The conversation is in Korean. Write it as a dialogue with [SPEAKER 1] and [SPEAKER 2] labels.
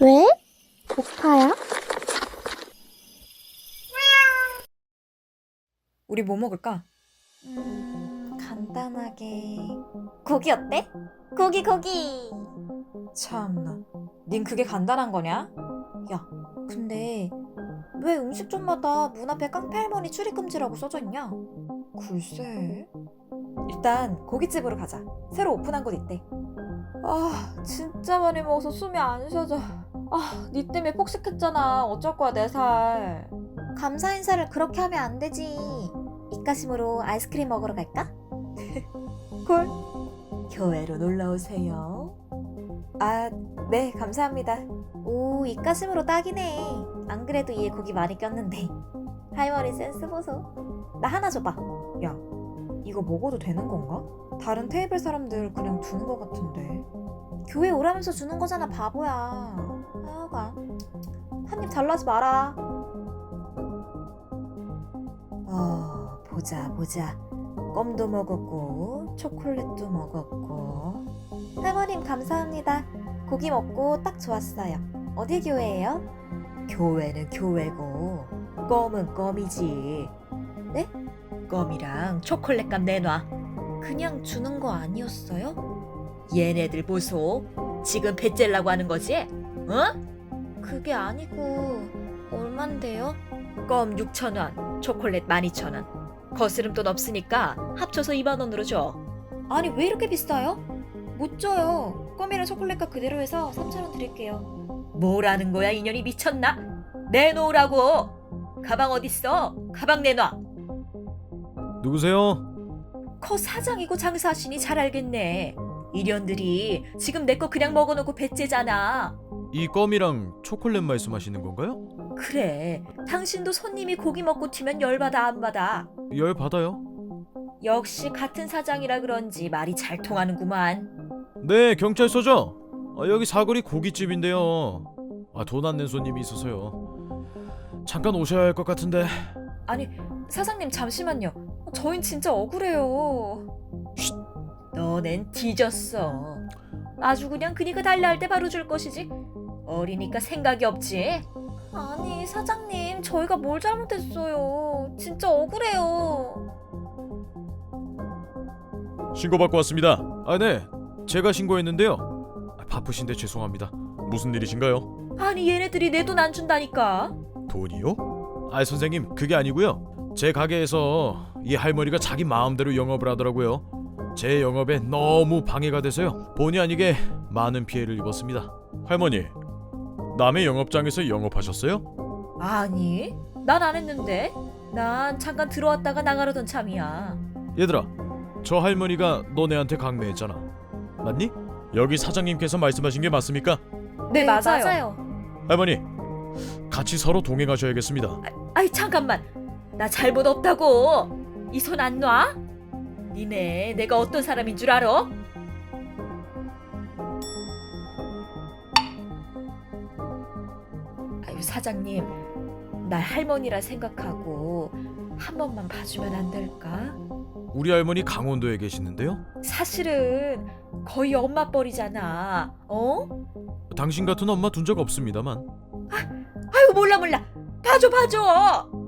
[SPEAKER 1] 왜? 고파요?
[SPEAKER 2] 우리 뭐 먹을까?
[SPEAKER 3] 간단하게 고기 어때? 고기.
[SPEAKER 2] 참나, 닌 그게 간단한 거냐?
[SPEAKER 3] 야, 근데 왜 음식점마다 문 앞에 깡패 할머니 출입금지라고 써져 있냐?
[SPEAKER 2] 글쎄. 일단 고깃집으로 가자. 새로 오픈한 곳 있대. 아, 진짜 많이 먹어서 숨이 안 쉬어져. 아, 니 때문에 폭식했잖아. 어쩔 거야, 내 살.
[SPEAKER 3] 감사 인사를 그렇게 하면 안 되지. 입가심으로 아이스크림 먹으러 갈까?
[SPEAKER 2] 콜. 교회로 놀러 오세요. 아, 네, 감사합니다.
[SPEAKER 3] 오, 입가심으로 딱이네. 안 그래도 얘 고기 많이 꼈는데. 할머니 센스 보소. 나 하나 줘봐.
[SPEAKER 2] 야, 이거 먹어도 되는 건가? 다른 테이블 사람들 그냥 두는 것 같은데.
[SPEAKER 3] 교회 오라면서 주는 거잖아, 바보야. 하여간 한 입 잘라지 마라.
[SPEAKER 2] 보자. 껌도 먹었고 초콜릿도 먹었고.
[SPEAKER 3] 할머님 감사합니다. 고기 먹고 딱 좋았어요. 어디 교회예요?
[SPEAKER 2] 교회는 교회고 껌은 껌이지.
[SPEAKER 3] 네?
[SPEAKER 2] 껌이랑 초콜릿값 내놔.
[SPEAKER 3] 그냥 주는 거 아니었어요?
[SPEAKER 2] 얘네들 보소. 지금 배째려고 하는 거지? 어?
[SPEAKER 3] 그게 아니고 얼만데요?
[SPEAKER 2] 껌 6,000원, 초콜릿 12,000원. 거스름돈 없으니까 합쳐서 2만 원으로 줘.
[SPEAKER 3] 아니 왜 이렇게 비싸요? 못 줘요. 껌이랑 초콜릿값 그대로 해서 3,000원 드릴게요.
[SPEAKER 2] 뭐라는 거야, 인연이 미쳤나? 내놓으라고. 가방 어딨어? 가방 내놔.
[SPEAKER 4] 누구세요?
[SPEAKER 2] 커 사장이고 장사하시니 잘 알겠네. 이년들이 지금 내 거 그냥 먹어놓고 배째잖아.
[SPEAKER 4] 이 껌이랑 초콜릿 말씀하시는 건가요?
[SPEAKER 2] 그래, 당신도 손님이 고기 먹고 튀면 열받아 안 받아?
[SPEAKER 4] 열 받아요.
[SPEAKER 2] 역시 같은 사장이라 그런지 말이 잘 통하는구만.
[SPEAKER 4] 네, 경찰서죠? 여기 사거리 고깃집인데요. 돈 안 낸 손님이 있어서요. 잠깐 오셔야 할 것 같은데.
[SPEAKER 2] 아니, 사장님 잠시만요. 저흰 진짜 억울해요. 너넨 뒤졌어. 아주 그냥 그니까 달라 할 때 바로 줄 것이지. 어리니까 생각이 없지.
[SPEAKER 3] 아니 사장님 저희가 뭘 잘못했어요. 진짜 억울해요.
[SPEAKER 4] 신고받고 왔습니다. 네, 제가 신고했는데요. 바쁘신데 죄송합니다. 무슨 일이신가요?
[SPEAKER 2] 아니, 얘네들이 내 돈 안 준다니까.
[SPEAKER 4] 돈이요? 선생님, 그게 아니고요. 제 가게에서 이 할머니가 자기 마음대로 영업을 하더라고요. 제 영업에 너무 방해가 돼서요. 본의 아니게 많은 피해를 입었습니다. 할머니, 남의 영업장에서 영업하셨어요?
[SPEAKER 2] 아니, 난 안 했는데. 난 잠깐 들어왔다가 나가려던 참이야.
[SPEAKER 4] 얘들아, 저 할머니가 너네한테 강매했잖아. 맞니? 여기 사장님께서 말씀하신 게 맞습니까?
[SPEAKER 2] 네, 맞아요.
[SPEAKER 4] 할머니, 같이 서로 동행하셔야겠습니다.
[SPEAKER 2] 아이, 잠깐만. 나 잘못 없다고. 이 손 안 놔? 니네 내가 어떤 사람인 줄 알아? 아유, 사장님, 날 할머니라 생각하고 한 번만 봐주면 안 될까?
[SPEAKER 4] 우리 할머니 강원도에 계시는데요.
[SPEAKER 2] 사실은 거의 엄마 뻘이잖아. 어?
[SPEAKER 4] 당신 같은 엄마 둔 적 없습니다만.
[SPEAKER 2] 아유, 몰라. 봐줘.